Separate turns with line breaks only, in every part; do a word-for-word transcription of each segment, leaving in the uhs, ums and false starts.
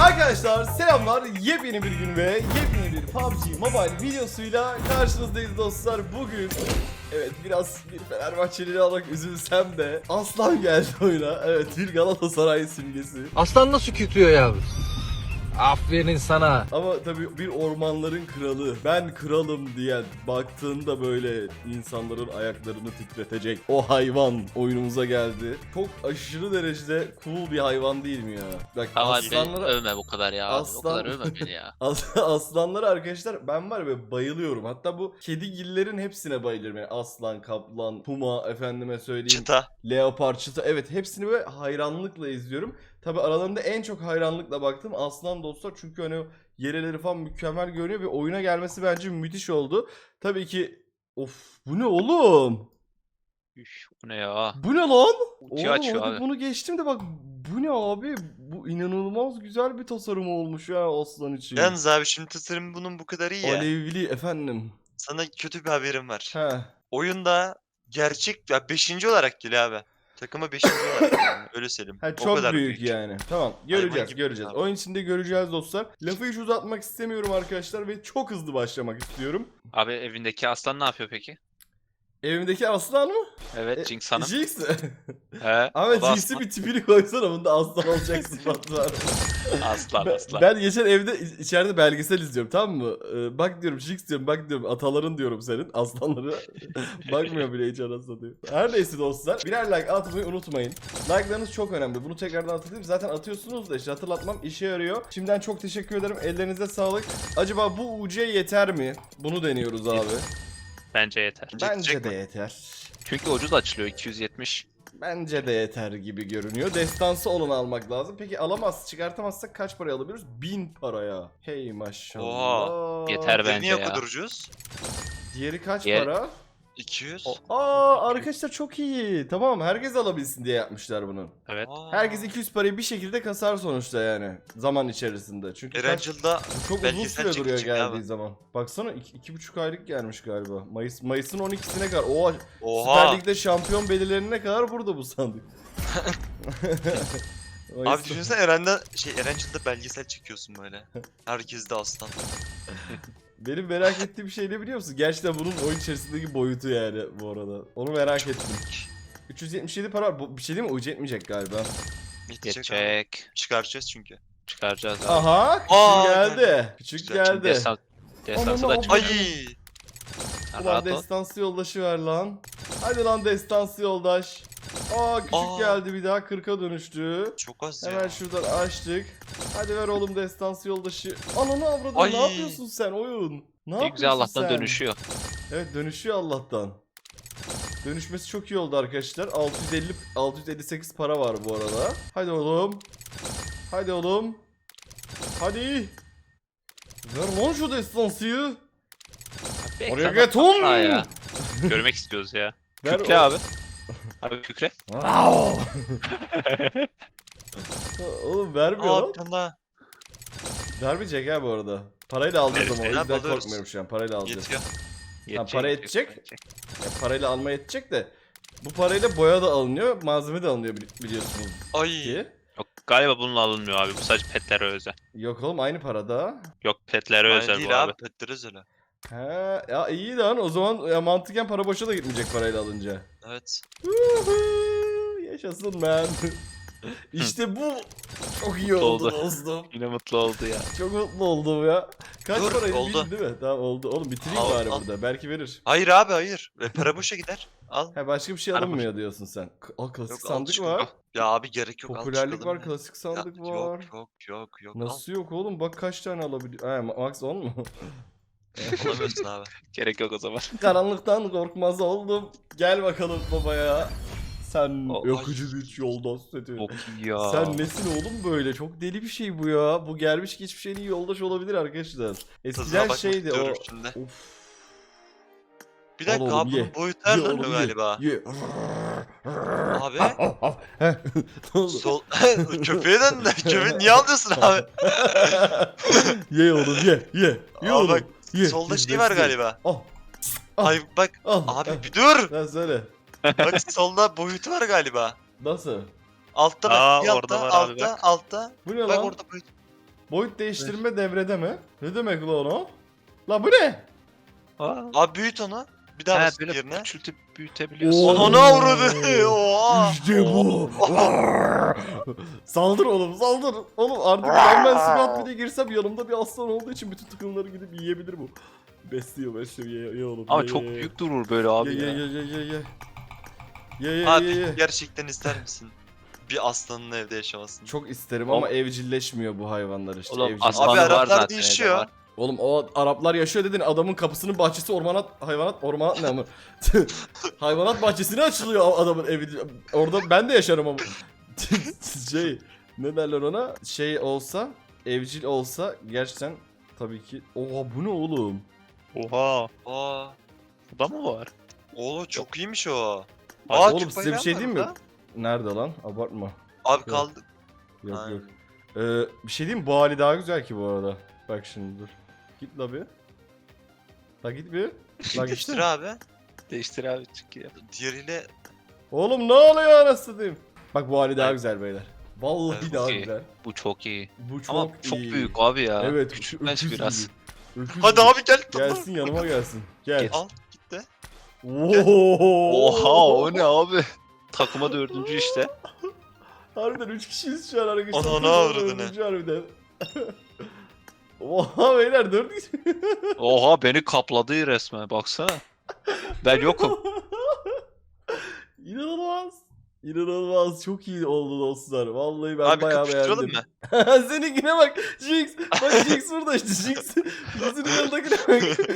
Arkadaşlar selamlar, yepyeni bir gün ve yepyeni bir P U B G Mobile videosuyla karşınızdayız dostlar. Bugün evet biraz bir Fenerbahçelileri alarak üzülsem de Aslan geldi oyuna. Evet, bir Galatasaray simgesi.
Aslan nasıl kütüyor ya? Aferin sana.
Ama tabii bir ormanların kralı, ben kralım diye baktığında böyle insanların ayaklarını titretecek o hayvan oyunumuza geldi. Çok aşırı derecede cool bir hayvan değil mi ya? Bak
Ama
aslanlara...
beni övme bu kadar ya.
Aslan-
O kadar övme beni ya.
As aslanlara arkadaşlar ben var ya bayılıyorum. Hatta bu kedigillerin hepsine bayılıyorum. Yani aslan, kaplan, puma, efendime söyleyeyim.
Çıta.
Leopar, çita, evet hepsini böyle hayranlıkla izliyorum. Tabi aralarında en çok hayranlıkla baktım aslan dostlar, çünkü hani o yeleleri falan mükemmel görünüyor ve oyuna gelmesi bence müthiş oldu. Tabii ki of, bu ne oğlum?
Üf, bu ne ya?
Bu ne lan?
Ulti
Oğlum
açıyor
hadi
abi.
bunu geçtim de bak, bu ne abi? Bu inanılmaz güzel bir tasarım olmuş ya aslan için.
Yalnız abi şimdi tasarım bunun bu kadar iyi ya.
Alevli efendim.
Sana kötü bir haberim var.
He.
Oyunda gerçek ya beşinci olarak geliyor abi. Takıma beşinci olarak yani. Öyle söyleyeyim.
Ha,
O
çok
kadar
büyük, yani. Tamam, göreceğiz
gibi
göreceğiz.
abi.
Oyun içinde göreceğiz dostlar. Lafı hiç uzatmak istemiyorum arkadaşlar ve çok hızlı başlamak istiyorum.
Abi evindeki aslan ne yapıyor peki?
Evimdeki aslan mı?
Evet, Jinx Hanım.
Jinx.
He. o
Ahmet,
da
Jinx'i bir tipini koysana, bunda aslan olacaksın var.
Aslan
Ben,
aslan.
ben geçen evde iç- içeride belgesel izliyorum, tamam mı? Ee, bak diyorum Jinx diyorum, bak diyorum ataların diyorum senin aslanları. Bakmıyor bile hiç, anasını satayım. Her neyse dostlar, birer like atmayı unutmayın. Like'larınız çok önemli. Bunu tekrardan hatırlayayım. Zaten atıyorsunuz da işte hatırlatmam işe yarıyor. Şimdiden çok teşekkür ederim. Ellerinize sağlık. Acaba bu U C yeter mi? Bunu deniyoruz abi.
Bence yeter.
Bence
Yetecek
de
mi?
yeter.
Çünkü ucuz açılıyor iki yüz yetmiş.
Bence de yeter gibi görünüyor. Destansı olanı almak lazım. Peki alamaz, çıkartamazsak kaç paraya alabiliyoruz? bin paraya. Hey maşallah.
Yeter
Diğeri
bence
niye
ya.
kadar ucuz?
Diğeri kaç
Diğer-
para?
iki yüz.
O-
Aa arkadaşlar çok iyi. Tamam, herkes alabilsin diye yapmışlar bunu.
Evet.
Aa.
Herkes iki yüz parayı bir şekilde kasar sonuçta yani. Zaman içerisinde. Çünkü kaç,
Erangel'da
bu çok uzun
belgesel
süre duruyor
çekecek
geldiği
abi.
zaman. Baksana iki, iki buçuk aylık gelmiş galiba. Mayıs Mayıs'ın on ikisine kadar. Oha. Süper
Oha.
Lig'de şampiyon belirlerine kadar burada bu sandık.
Abi
Mayıs'ta-
düşünsene Eren'de şey Erangel'da belgesel çekiyorsun böyle. Herkes de aslan.
Benim merak ettiğim şey ne biliyor musun? Gerçekten bunun oyun içerisindeki boyutu yani bu arada. Onu merak ettim. üç yüz yetmiş yedi para var. Bu, bir şey değil mi? Ucu etmeyecek galiba.
Yetecek abi.
Geçecek.
Çıkaracağız çünkü.
Çıkaracağız abi.
Aha! Küçük
Aa,
geldi.
geldi.
Küçük
Güzel.
geldi.
Destan, destansı da
Ananı
çıkıyor.
Ay.
Sen
Ulan
rahat ol.
destansı yoldaşı ver lan. Hadi lan destansı yoldaş. Aa küçük
Aa.
geldi, bir daha kırka dönüştü.
Çok az
Hemen
ya.
şuradan açtık. Hadi ver oğlum destansı yoldaşı. Ananı avradını,
Ay.
ne yapıyorsun sen oyun? Ne
Ne
yapıyorsun
güzel Allah'tan
sen?
dönüşüyor.
Evet, dönüşüyor Allah'tan. Dönüşmesi çok iyi oldu arkadaşlar. altı yüz elli altı yüz elli sekiz para var bu arada. Hadi oğlum. Hadi oğlum. Hadi. Ver lan şu destansıyı.
Bekle
Oraya
adam
get on.
atla ya. Görmek istiyoruz ya.
Ver
Kükre
o-
abi. Abi kükre.
Wow. Oğlum vermiyor
Aa
lan.
bir tane daha.
Vermeyecek ha bu arada. Parayla alacağız ama o
Evet,
yüzden
alıyoruz.
korkmuyorum şu an. Parayla alacağız.
Yetiyor.
Yetecek,
para
yetecek,
yetecek.
yetecek.
Ya parayla alma yetecek de. Bu parayla boya da alınıyor, malzeme de alınıyor bili- biliyorsunuz
Ay.
ki.
Yok, galiba bununla alınmıyor abi. Bu sadece petlere özel.
Yok oğlum, aynı parada.
Yok, petlere
Ay
özel
değil
bu abi.
abi. Petteriz öyle.
He ya, iyi lan o zaman ya, mantıken para boşa da gitmeyecek parayla alınca.
Evet.
Woohoo, yaşasın man. İşte bu çok iyi
Mutlu
oldu
oldu.
dostum.
Yine mutlu oldu ya.
Çok mutlu oldum ya. Kaç
Dur,
paraydı
oldu.
bildin değil mi? Tamam oldu. Oğlum bitireyim
Al,
bari
al.
burada. Belki verir.
Hayır abi hayır. Ve para boşa gider. Al.
Ha, başka bir şey
Para
alınmıyor diyorsun sen. K- Aa, klasik
Yok, al
sandık
çıkalım.
var.
Ya abi gerek yok. al
Popülerlik
çıkalım
var,
ya.
klasik sandık
Ya,
var.
Yok yok yok yok.
Nasıl yok oğlum? Bak kaç tane alabiliyor. Ha, max on mu?
Al. Alamıyorsun abi.
Gerek yok o zaman.
Karanlıktan korkmaz oldum. Gel bakalım babaya. Sen
O-
yakıcı
Ay.
güç yoldaş seti.
Çok iyi ya.
Sen nesin oğlum böyle? Çok deli bir şey bu ya. Bu gelmiş geçmiş en iyi yoldaş olabilir arkadaşlar.
Tadına
Eskiden
bakmak
şeydi o.
istiyorum şimdi.
Of.
Bir
Al
dakika
oğlum,
abi
ye.
bunun boyutu
Ye
ayarlanıyor
oğlum, ye.
galiba.
Ye.
Abi.
Heh, ne oldu?
Sol köpeğe döndü. Köpeği niye alıyorsun abi?
Ye oğlum ye ye. Ye
Aa,
oğlum.
bak,
Ye.
Solda
Ye,
şey var
ye.
galiba.
Al. Al.
Ay bak
Al.
abi
al.
bir dur.
Lan söyle.
Bak solda boyutu var galiba.
Nasıl?
Altta bak
Aa,
bir
orada
altta
var abi,
altta
bak.
altta.
Bu ne
Bak
lan?
orada boyut.
Boyut değiştirme devrede mi? Ne demek lan o? La bu ne?
Aa.
Abi büyüt onu. Bir daha
He
bas
böyle
yerine.
küçültüp büyütebiliyorsun.
Oo.
Ananı avradı. Oha.
İşte bu. Saldır oğlum saldır. Oğlum artık ben ben squat bile girsem yanımda bir aslan olduğu için bütün takımları gidip yiyebilir bu. Besliyor besliyor ye, ye oğlum.
Ama
ye,
çok
ye, ye.
büyük durur böyle abi
Ye ye
ya.
ye ye ye ye. Ye ye
Abi
ye ye.
gerçekten ister misin? Bir aslanın evde yaşamasını.
Çok isterim
Oğlum-
ama evcilleşmiyor bu hayvanlar işte.
Oğlum
evcil-
aslanı
Abi
var
Araplar
zaten.
değişiyor.
evde var.
Oğlum o Araplar yaşıyor dedin adamın kapısının bahçesi ormanat hayvanat ormanat ne ama hayvanat bahçesine açılıyor adamın evi. Orada ben de yaşarım ama şey ne derler ona şey olsa evcil olsa gerçekten tabii ki. Oha bu ne oğlum?
Oha.
Aa.
Bu da mı var?
Oğlum çok iyiymiş o.
Abi
Aa,
oğlum
Türk
size bir
bayrağı
şey
var
diyeyim mi?
burada.
Nerede lan? Abartma.
Abi kaldı.
Yok
Aynen.
yok. Ee, bir şey diyeyim mi? Bu hali daha güzel ki bu arada. Bak şimdi dur. Git la bir. La git bir. La
Değiştir
git.
abi.
Değiştir abi çünkü.
Diğeriyle
Oğlum ne oluyor anasını diyeyim. Bak bu hali daha
Evet.
güzel beyler. Vallahi
Evet,
daha
iyi.
güzel.
Bu çok iyi.
Bu çok
Ama çok
iyi.
büyük abi ya.
Evet.
Küçültmez
öküz
biraz.
gibi. Öküz
hadi
gibi.
abi gel.
Gelsin yanıma gelsin. Gel.
Gel.
Al gitti.
Oo.
Oha o ne abi? Takıma dördüncü işte.
Harbiden üç kişiyiz şu an arkadaşlar.
Ananı
Takımda
avradını.
dördüncü harbiden. Oha beyler dört kişi.
Oha beni kapladı resmen baksana. Ben yokum.
İnanılmaz. İnanılmaz. Çok iyi oldu dostlar. Vallahi ben
Abi
bayağı
kapıştıralım
beğendim.
mı?
Seninkine bak. Jinx. Bak Jinx burada işte. Jinx. Yüzünün yanındakine bak.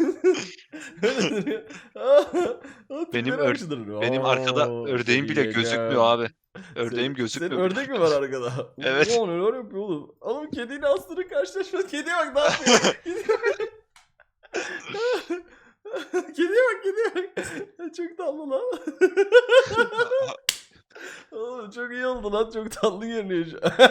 Benim ör- Benim arkada ördeğim bile gözükmüyor abi. Ördeğim gözükmüyor.
Senin ördek mi var arkada?
Evet.
Ulan neler yapıyor oğlum? Oğlum kediyle aslanın karşılaşması. Kediye bak ne yapıyor? Kediye bak. Kediye bak kediye bak. Çok tatlı lan. Oğlum çok iyi oldu lan. Çok tatlı görünüyor şu an.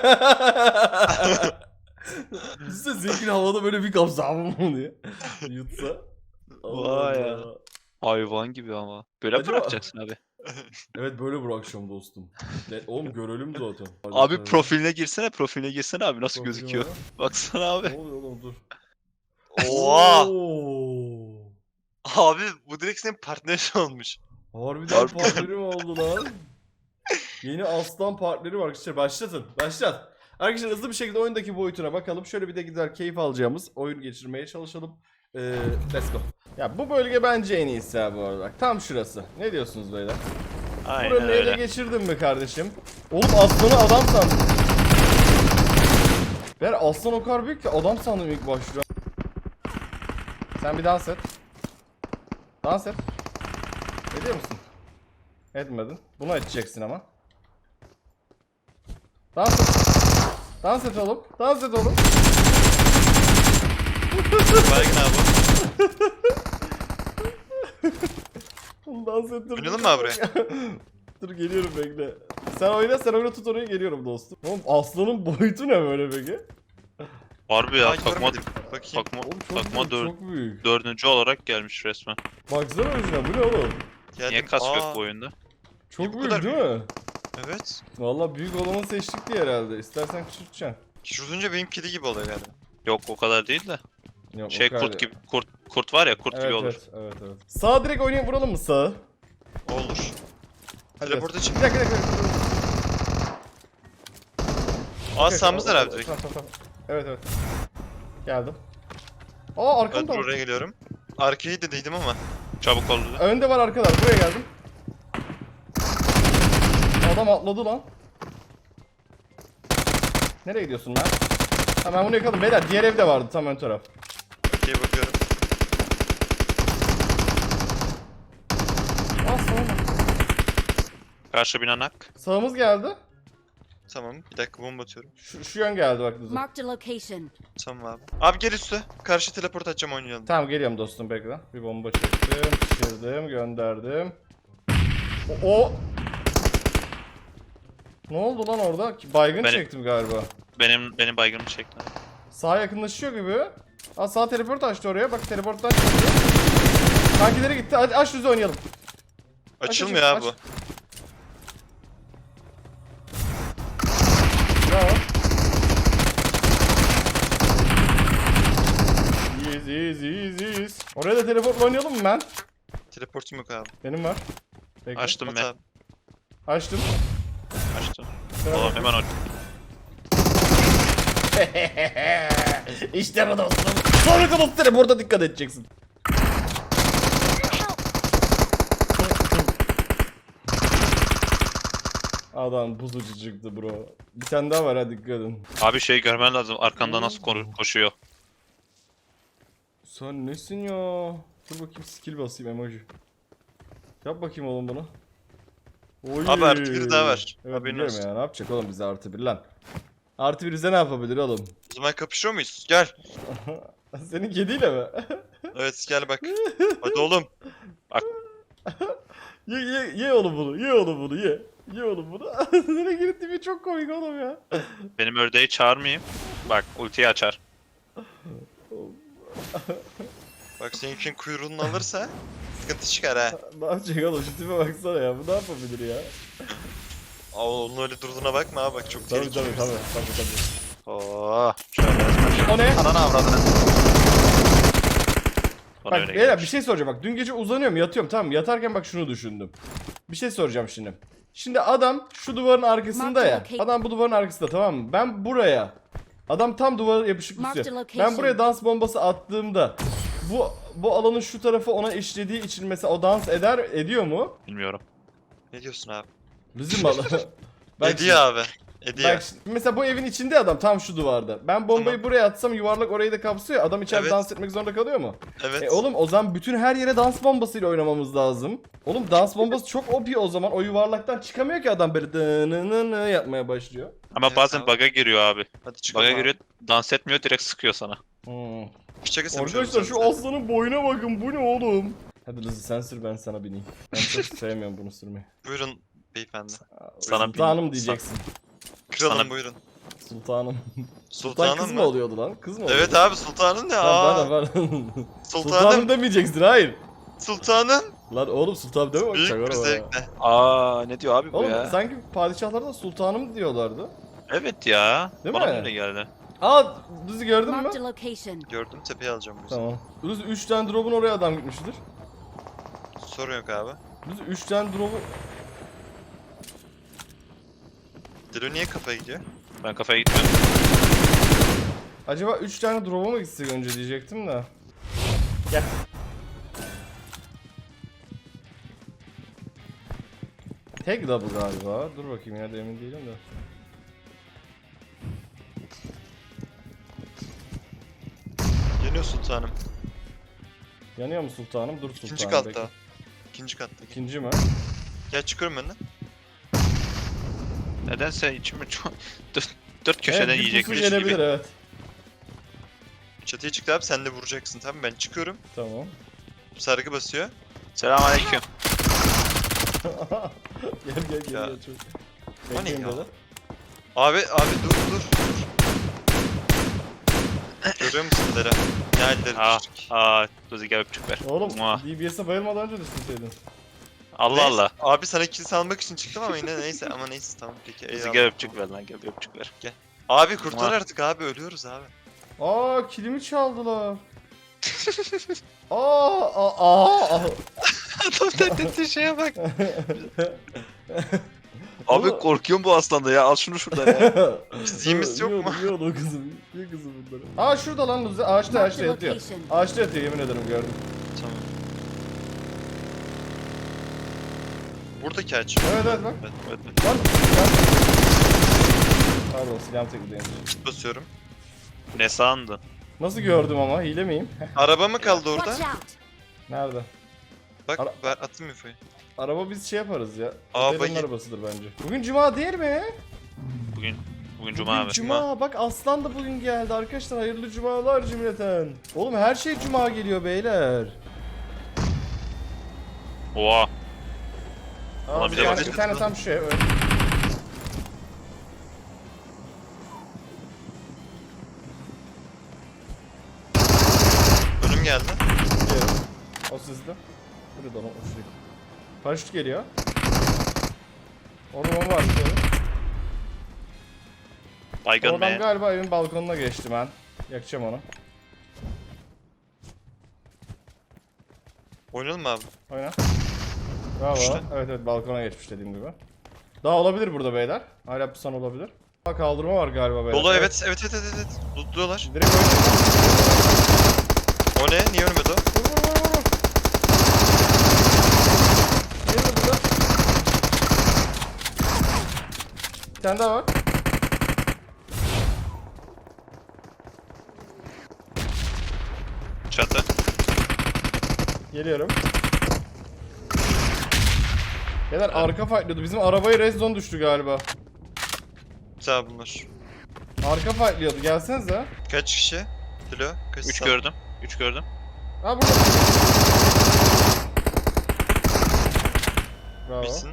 Size zengin havada böyle bir kapsam mı diye yutsa.
Vay ya.
Allah.
Hayvan gibi ama. Böyle mi
Acaba-
bırakacaksın abi?
Evet böyle bırakacağım dostum. Ne, oğlum görelim zaten.
Abi profiline girsene, profiline girsene abi nasıl gözüküyor? Baksana abi.
Ne oluyor oğlum dur.
Oha.
Oo.
Abi bu direkt senin partnerin olmuş.
Harbiden
Harbi.
partnerim oldu lan. Yeni aslan partnerim var arkadaşlar. Başlatın. Başlat. Arkadaşlar hızlı bir şekilde oyundaki boyutuna bakalım. Şöyle bir de gider keyif alacağımız oyun geçirmeye çalışalım. Ee, let's go. Ya bu bölge bence en iyisi ha bu arada. Bak, tam şurası. Ne diyorsunuz beyler?
Aynen
Buranın ele
öyle.
geçirdin mi kardeşim? Oğlum aslanı adam sandım. Ben aslan o kadar büyük ki adam sandım ilk başta. Sen bir dans et. Dans et. Ediyor musun? Etmedin. Bunu edeceksin ama. Dans et. Dans et oğlum. Dans et oğlum.
Baygın abi.
Oğlum dans ettir.
Oynayalım mı abi buraya?
Dur geliyorum bekle. Sen oyna sen oyna tut orayı geliyorum dostum. Oğlum aslanın boyutu ne böyle peki?
Harbi ya
Ay,
takma,
görmedim. Bakayım.
takma,
Oğlum çok
takma
büyük,
dör,
çok büyük.
dördüncü olarak gelmiş resmen.
Baksana özüne bu ne oğlum?
Geldim.
Niye kas
Aa,
yok bu oyunda?
Çok
bu
büyük
kadar
değil mi?
Evet.
Valla büyük olanı seçtik diye herhalde. İstersen küçülteceksin.
Şurada benim kedi gibi oluyor galiba.
Yok o kadar değil de.
Yok, o
Şey
kadar
kurt
değil.
gibi, kurt kurt var ya kurt
Evet,
gibi olur.
evet, evet, evet. Sağa direkt oynayıp vuralım mı sağa?
Olur.
Hadi.
Teleporta çık.
Bir dakika bir dakika. bir dakika.
Aa
Okey,
sağımızdan
tamam,
abi direkt.
tamam, tamam, tamam. Evet evet. Geldim. Aa
Ben
arkamda.
dur oraya geliyorum. Arkayı dediydim ama.
Çabuk ol dedi.
Önde var arkalar. Buraya geldim. Adam atladı lan. Nereye gidiyorsun lan? Ha ben bunu yakaladım. Beyler diğer evde vardı tam ön taraf.
Okey bakıyorum.
Aa sağ
Karşı binanak.
Sağımız geldi.
Tamam bir dakika bomba atıyorum.
Şu, şu yön geldi bak Dudu.
Marked a location.
Tamam abi. Abi gel üstü. Karşı teleport atacağım oynayalım.
Tamam geliyorum dostum bekle. Bir bomba çektim, şişirdim, gönderdim. O, o... Ne oldu lan orada? Baygın
Benim-
çektim galiba.
Benim benim baygınımı çekti.
Sağa yakınlaşıyor gibi. Aa sağ teleport açtı oraya. Bak teleporttan çıktı. Kankileri gitti. Hadi aç düzü oynayalım. Aç,
Açılmıyor
aç,
abi bu.
aç. Bravo. Oraya da teleportla oynayalım mı ben?
Teleportum yok abi.
Benim var. Bekle.
Açtım
At
ben.
abi.
Açtım.
Açtım.
Şuna
Oğlum
bak.
hemen aç.
İşte bu dostum. Sonraki dostum burada dikkat edeceksin. Adam buzucu çıktı bro. Bir tane daha var, hadi dikkat edin.
Abi şey görmen lazım. Arkanda nasıl ko- koşuyor.
Sen nesin ya? Dur bakayım, skill basayım emoji. Yap bakayım oğlum bunu. Oy.
Abi artı bir daha var.
Evet
Haberin
biliyorum
olsun.
ya, ne yapacak oğlum bize artı bir lan. Artı bir bize ne yapabilir oğlum?
O zaman kapışıyor muyuz? Gel.
Senin kediyle mi?
Evet gel bak. Hadi oğlum.
ye ye ye oğlum bunu, ye oğlum bunu, ye. Ye oğlum bunu. Nereye gitti bir, çok komik oğlum ya.
Benim ördeği çağırmayayım. Bak ultiyi açar.
Bak seninkinin kuyruğunu alırsa sıkıntı çıkar ha.
Ne yapacak oğlum, şu tipe baksana ya, bu ne yapabilir ya?
Aa onun öyle durduğuna bakma abi bak çok
Tabii
tehlikeli.
tabii tabii tabii tabii.
Oo. Şöyle.
O ne?
Ananı avradını. Bana
Bak
öyle
beyler
gelmiş.
bir şey soracağım, bak dün gece uzanıyorum yatıyorum, tamam mı? Yatarken bak şunu düşündüm. Bir şey soracağım şimdi. Şimdi adam şu duvarın arkasında ya. Adam bu duvarın arkasında, tamam mı? Ben buraya. Adam tam duvara yapışık tutuyor. Ben buraya dans bombası attığımda bu bu alanın şu tarafı ona işlediği için mesela o dans eder ediyor mu?
Bilmiyorum.
Ne diyorsun abi?
Bizim alanı.
Ediyor abi. Ediyor.
Bak şimdi, mesela bu evin içinde adam tam şu duvarda. Ben bombayı
Tamam.
buraya atsam yuvarlak orayı da kapsıyor. Adam içeride
Evet.
dans etmek zorunda kalıyor mu?
Evet.
E oğlum o zaman bütün her yere dans bombasıyla oynamamız lazım. Oğlum dans bombası çok O P o zaman. O yuvarlaktan çıkamıyor ki adam, böyle dınınını yapmaya başlıyor.
Ama
Evet
bazen
abi.
bug'a giriyor abi.
Hadi çıkalım
Bug'a
abi.
giriyor, dans etmiyor, direkt sıkıyor sana.
Hmm.
Bıçak ısırmış
Arkadaşlar
abi
şu
sen.
aslanın boyuna bakın, bu ne oğlum? Hadi Lızı sen sür, ben sana bineyim. Ben çok sevmiyorum bunu sürmeyi.
Buyurun beyefendi.
Sana
Sultanım
bin-
diyeceksin.
Kralım
Sana-
buyurun.
Sultanım. Sultan
Sultanım
kız mı
mı?
oluyordu lan? Kız mı oluyordu?
Evet abi sultanın ne?
Tamam,
Aa,
pardon pardon. Sultanım
sultanım.
demeyeceksin, hayır.
Sultanın.
Lan oğlum sultan deme bak,
Büyük
çakar
bir
o ya.
zevkle.
Aa ne diyor abi bu
Oğlum
ya?
sanki padişahlarda sultanım diyorlardı.
Evet ya.
Değil
Bana
mi?
öyle geldi.
Aa, Lızı gördün mü?
Marked a location.
Gördüm tepeye alacağım bu yüzden.
Tamam. Lızı üç tane drop'un oraya adam gitmiştir.
Sorun yok abi.
Lızı üç tane drop'u...
Dilo niye kafaya gidiyor?
Ben kafaya gitmiyorum.
Acaba üç tane drop'a mı gitsek önce diyecektim de. Gel. Tek double galiba. Dur bakayım ya, da emin değilim de.
Yanıyor sultanım.
Yanıyor mu sultanım? Dur sultanım.
İkinci
bekle.
katta. İkinci katta.
İkinci mi?
Gel çıkıyorum önden.
Nedense içimi çok... Dört, dört köşeden
Evet, bir
yiyecekmiş
pusu gelebilir,
gibi.
evet.
Çatıya çıktı abi sen de vuracaksın tamam mı? Ben çıkıyorum.
Tamam.
Sargı basıyor.
Selamünaleyküm.
Gel gel gel.
Ya.
gel çok.
O ne
Bekleyin
ya?
böyle.
Abi abi dur dur dur. Görüyor musun Dera? Ne halleri
Aa,
düştük.
aa, Luzi gel öpücük ver.
Oğlum
Muah.
D B S'e bayılmadan önce düşünseydin.
Allah
Neyse,
Allah.
Abi sana kill almak için çıktım ama yine neyse ama neyse tamam peki
Luzi
eyvallah.
gel öpücük ver lan, gel bir öpücük ver.
Abi kurtar
Muah.
artık abi ölüyoruz abi.
Aa, kilimi çaldılar. Aa, aa, aa, aa.
Adam dediği şeye bak. Abi
Oğlum-
korkuyorum bu aslanda ya, al şunu şuradan ya.
Fiziğimiz yok mu?
Yiyor o kızım. Yiyor kızım bunları. Aa şurada lan Luzi. Ağaçta
Marked
ağaçta
a
yatıyor.
location.
Ağaçta yatıyor, yemin ederim gördüm.
Tamam. Buradaki aç.
Evet evet bak.
Evet,
Evet.
Lan silah... Pardon, silahım tekradeymiş.
basıyorum.
Ne sandın?
Nasıl gördüm ama, hile miyim?
Araba mı kaldı orada?
Watch out.
Nerede?
Bak
Ara-
ver attım infoyu.
Araba biz şey yaparız ya.
Aa,
Otelin
bayı-
arabasıdır bence. Bugün cuma değil mi?
Bugün, bugün cuma
Bugün
abi.
Cuma. Bak aslan da bugün geldi arkadaşlar. Hayırlı cumalar cümleten. Oğlum her şey cuma geliyor beyler.
Oha.
Aa,
Ulan
bir,
bir de
tane,
bak-
bir tane tam şey. Evet.
Önüm geldi.
Geliyor. O sizde. Hadi dolan o şey. Paraşüt geliyor. Orada bomba var.
Baygın
O adam
be.
galiba evin balkonuna geçti ben. Yakacağım onu.
Oynayalım mı abi?
Oyna. Bravo.
İşte.
Evet evet balkona geçmiş dediğim gibi. Daha olabilir burada beyler. Hala pusan olabilir. Bak kaldırma var galiba beyler.
Dolu evet evet evet evet. evet. Lootluyorlar.
Direkt oynayın.
O ne? Niye ölmedi o?
Vur vur vur vur. Ne var burada? Bir tane daha var.
Çatı.
Geliyorum. Beyler arka fightlıyordu. Bizim arabaya red zone düştü galiba.
Güzel bunlar.
Arka fightlıyordu. Gelsenize.
Kaç kişi? Dilo. Kaç
üç
sağ-
gördüm. üç gördüm.
Ha burada. Bravo.
Bilsin.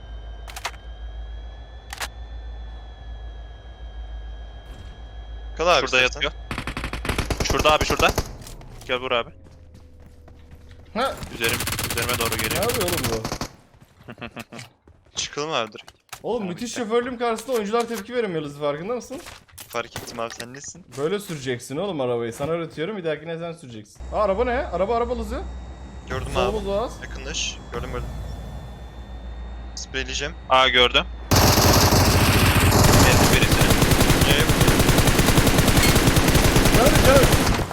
Kal abi
Şurada
istersen.
yatıyor. Şurada abi şurada. Gel vur abi.
Ha,
Üzerim, üzerime doğru
ne
geliyor.
yapıyor oğlum bu?
Çıkalım abi direkt.
Oğlum
Abi
müthiş
işte.
şoförlüğüm karşısında oyuncular tepki veremiyor Luzi, farkında mısın?
Fark ettim abi sen nesin?
Böyle süreceksin oğlum arabayı. Sana öğretiyorum, bir dahakine sen süreceksin. Aa araba ne? Araba araba Luzi.
Gördüm abi.
Solumuz var.
Yakınlaş. Gördüm gördüm. Spreyleyeceğim.
Aa gördüm. Geldim birisini.
Ne?
Canım canım.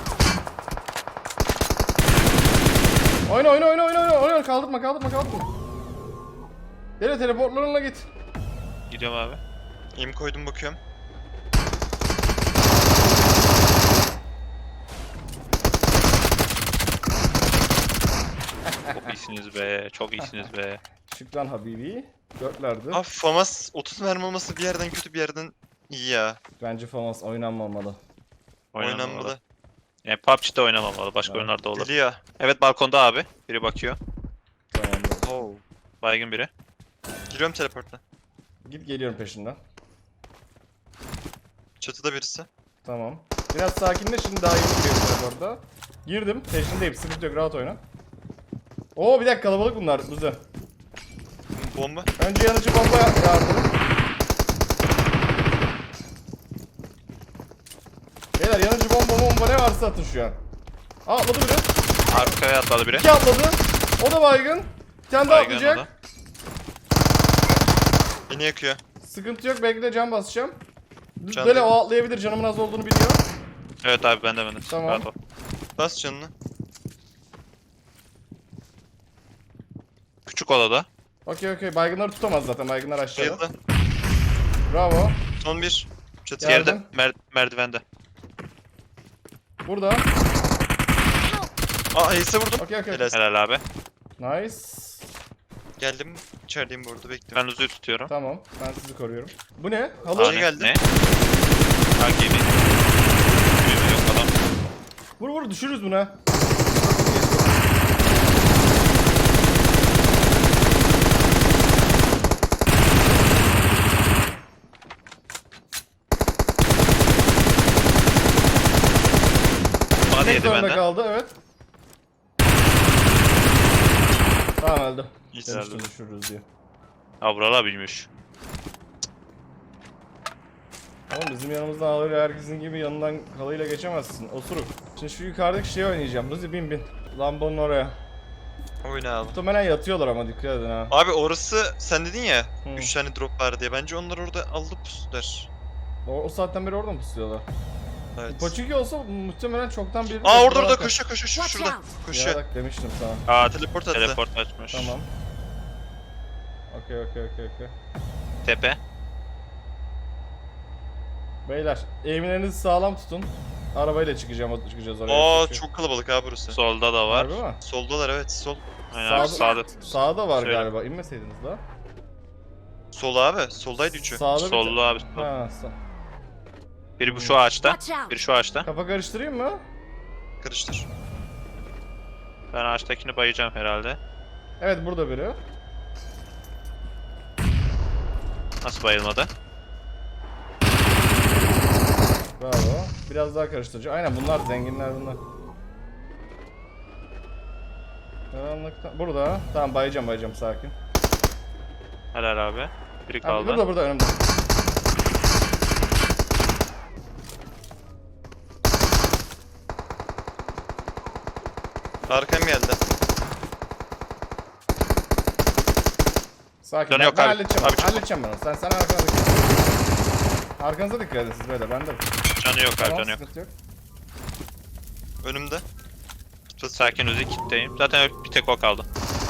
Oyna oyna oyna oyna oyna oyna kaldırma kaldırma kaldırma. Gel teleportlarınla git.
Gidiyorum abi.
İm koydum bakıyorum.
Çok iyisiniz be. Çok iyisiniz be.
Şükran Habibi. Dörtlerdi.
Abi Famas otuz mermi olması bir yerden kötü bir yerden iyi ya.
Bence Famas oynanmamalı.
Oynanmalı.
Yani P U B G'de oynamamalı. Başka
Evet.
oyunlarda olur.
Deli ya.
Evet balkonda abi. Biri bakıyor.
Tamamdır.
Oo.
Baygın biri.
Giriyorum teleportla.
Git geliyorum peşinden.
Çatıda birisi.
Tamam. Biraz sakinle, şimdi daha iyi giriyorum teleporta. Girdim. Peşindeyim. Sıkıntı yok. Rahat oyna. Oo bir dakika, kalabalık bunlar. Luzi.
Bomba.
Önce yanıcı bomba yardım. Beyler yanıcı bomba bomba ne varsa atın şu an. Aa atladı biri.
Arkaya atladı biri.
İki atladı. O da baygın. Bir tane daha
Baygın o da.
atlayacak.
Beni yakıyor.
Sıkıntı yok. Belki de can basacağım.
Can
Böyle
değil.
o atlayabilir. Canımın az olduğunu biliyor.
Evet abi bende bende.
Tamam.
Rahat ol.
Bas canını.
Küçük odada.
Okey okey. Baygınları tutamaz zaten. Baygınlar aşağıda.
Bayıldı.
Bravo.
Son bir. Çatı
Geldim.
Geride. Mer merdivende.
Burada.
Aa Ace'e vurdum.
Okey okey.
Helal.
Helal abi.
Nice.
Geldim. İçerideyim bu arada bekliyorum.
Ben Uzu'yu tutuyorum.
Tamam. Ben sizi koruyorum. Bu ne? Halı.
Aa,
ne
ne?
geldi?
Ne? Ha gemi. Gemi yok adam.
Vur vur düşürürüz buna.
Bana
Tek
yedi
zorunda
benden.
kaldı, evet. Tamam öldü.
İyi
Demiştim
öldü.
düşürürüz diye.
Avrala bilmiş.
Oğlum bizim yanımızdan halıyla herkesin gibi yanından halıyla geçemezsin. Osuruk. Şimdi şu yukarıdaki şeyi oynayacağım. Ruzi bin bin. Lambonun oraya.
Oyna abi.
Muhtemelen yatıyorlar ama dikkat edin ha.
Abi orası sen dedin ya
Hı.
üç tane drop var diye. Bence onlar orada alıp pusular.
O, o saatten beri orada mı pusuyorlar?
Evet.
Paçuki olsa muhtemelen çoktan bir...
Aa orada orada koşuyor koşuyor şu-
Watch
şurada.
out.
Koşuyor.
Ya bak demiştim sana.
Aa
Teleport attı.
teleport açmış.
Tamam. Okey okey okey okey.
Tepe.
Beyler eğimlerinizi sağlam tutun. Arabayla çıkacağım, çıkacağız oraya.
Aa
çünkü.
çok kalabalık abi burası.
Solda da var.
Harbi mi?
Soldalar evet sol.
Aynen
Sağda-
abi, sağda.
Sağda var
Şöyle.
galiba. İnmeseydiniz daha.
Sol abi. Soldaydı üçü.
Sağda bir
Sollu abi.
Ha, sağ.
Biri bu şu ağaçta.
Watch out.
Biri şu ağaçta.
Kafa karıştırayım mı?
Karıştır.
Ben ağaçtakini bayacağım herhalde.
Evet burada biri.
Nasıl bayılmadı?
Bravo. Biraz daha karıştırıcı. Aynen bunlar zenginler bunlar. Karanlıkta. Burada. Tamam bayacağım bayacağım sakin.
Helal abi. Biri
Ha,
kaldı.
burada burada önümde.
Arkam geldi.
Sakin.
Canı
Ben,
yok
ben
abi.
halledeceğim.
Abi çok-
halledeceğim ben onu. Sen, sen arkana dikkat et. Arkanıza dikkat edin siz böyle. Ben de.
Canı yok abi
Tamam,
canı yok.
sıkıntı yok.
Önümde.
Sakin Uzi kitleyim. Zaten bir tek o kaldı.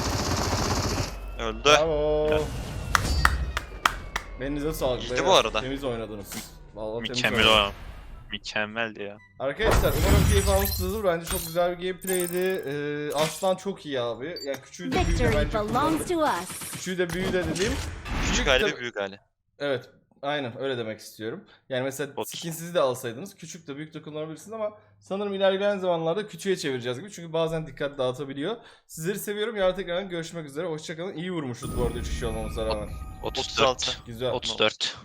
Öldü.
Bravo. Elinize sağlık.
İyiydi
beyler.
bu arada.
Temiz oynadınız. Vallahi temiz
Mükemmel
oynadınız.
o. Mükemmeldi ya.
Arkadaşlar umarım keyif almışsınızdır. Bence çok güzel bir gameplay'di. Ee, Aslan çok iyi abi. Yani küçüğü de büyüğü de
Victory
bence
belongs
kullandı.
to us.
Küçüğü de büyüğü de dediğim.
Küçük
de-
hali ve büyük hali.
Evet. Aynen öyle demek istiyorum. Yani mesela
Bot.
skinsiz de alsaydınız küçük de büyük de kullanabilirsiniz ama sanırım ilerleyen zamanlarda küçüğe çevireceğiz gibi. Çünkü bazen dikkat dağıtabiliyor. Sizleri seviyorum. Yarın tekrar görüşmek üzere. Hoşçakalın. İyi vurmuşuz bu arada üç kişi olmamıza rağmen.
otuz
otuz altı.
dört.
Güzel.
otuz dört.